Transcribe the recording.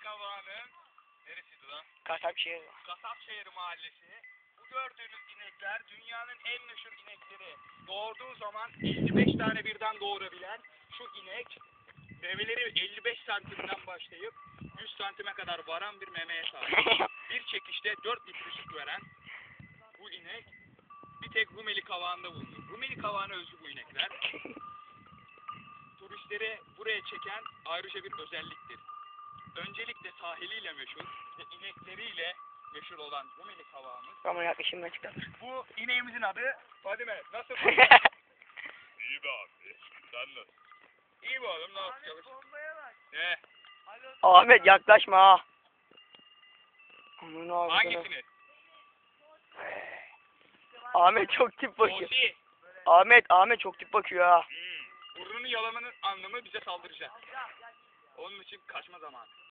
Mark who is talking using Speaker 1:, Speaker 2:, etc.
Speaker 1: Kavağı'nın neresiydi lan?
Speaker 2: Kasapşehir.
Speaker 1: Kasapşehir Mahallesi. Bu gördüğünüz inekler dünyanın en meşhur inekleri. Doğurduğu zaman 55 tane birden doğurabilen şu inek memeleri 55 santimden başlayıp 100 santime kadar varan bir memeye sahip. Bir çekişte 4 litre süt veren bu inek bir tek Rumeli Kavağı'nda bulunur. Rumeli Kavağı'na özgü bu inekler. Turistleri buraya çeken ayrıca bir özelliktir. Öncelikle sahiliyle meşhur ve inekleriyle meşhur olan Rumeli Kavağımız.
Speaker 2: Ama yaklaşım açıklanır.
Speaker 1: Bu ineğimizin adı Fadime. Nasıl? İyi be abi. Sen nasıl? İyi be oğlum, ne yapacağız? Ne?
Speaker 2: Ahmet yaklaşma ha. Onun ağzına.
Speaker 1: Hangisini?
Speaker 2: Ahmet çok tip bakıyor.
Speaker 1: Osi.
Speaker 2: Ahmet çok tip bakıyor ha.
Speaker 1: Burnunu yalamanın anlamı bize saldıracak. Onun için kaçma zamanı.